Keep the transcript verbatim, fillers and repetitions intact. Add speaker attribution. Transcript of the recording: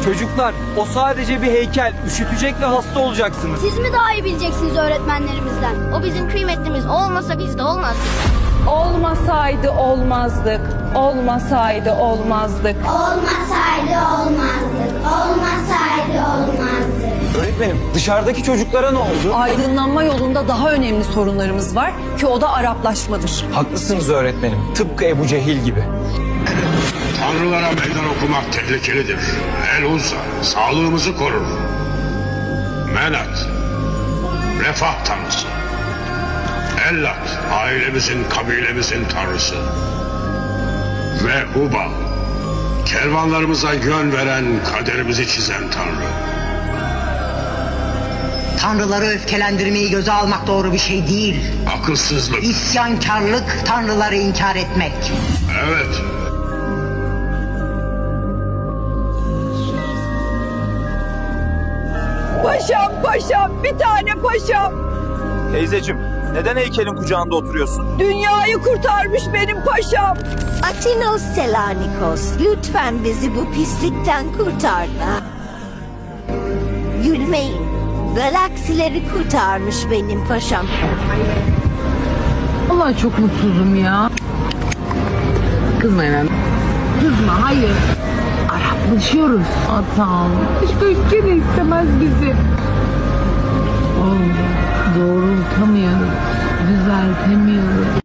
Speaker 1: Çocuklar, o sadece bir heykel. Üşütecek ve hasta olacaksınız.
Speaker 2: Siz mi daha iyi bileceksiniz öğretmenlerimizden?
Speaker 3: O bizim kıymetlimiz. O olmasa biz de olmazdık.
Speaker 4: Olmasaydı olmazdık. Olmasaydı olmazdık.
Speaker 2: Olmasaydı olmazdık. Olmasaydı olmazdık.
Speaker 1: Öğretmenim, dışarıdaki çocuklara ne oldu?
Speaker 5: Aydınlanma yolunda daha önemli sorunlarımız var ki o da Araplaşmadır.
Speaker 1: Haklısınız öğretmenim. Tıpkı Ebu Cehil gibi.
Speaker 6: Tanrılara meydan okumak tehlikelidir. El Uzza sağlığımızı korur. Menat, refah tanrısı. Ellat, ailemizin, kabilemizin tanrısı. Ve Hubal, kervanlarımıza yön veren, kaderimizi çizen tanrı.
Speaker 7: Tanrıları öfkelendirmeyi göze almak doğru bir şey değil.
Speaker 6: Akılsızlık.
Speaker 7: İsyankarlık, tanrıları inkar etmek.
Speaker 6: Evet.
Speaker 4: Paşam paşam bir tane paşam.
Speaker 1: Teyzeciğim, neden heykelin kucağında oturuyorsun?
Speaker 4: Dünyayı kurtarmış benim paşam.
Speaker 8: Atinos Selanikos, lütfen bizi bu pislikten kurtar da. Gülmeyin, galaksileri kurtarmış benim paşam.
Speaker 9: Vallahi çok mutsuzum ya. Kızma hemen. Kızma, hayır. Araplaşıyoruz. Atam. İşte ülke de istemez bizi. Oğlum, doğrultamıyoruz. Düzeltemiyoruz.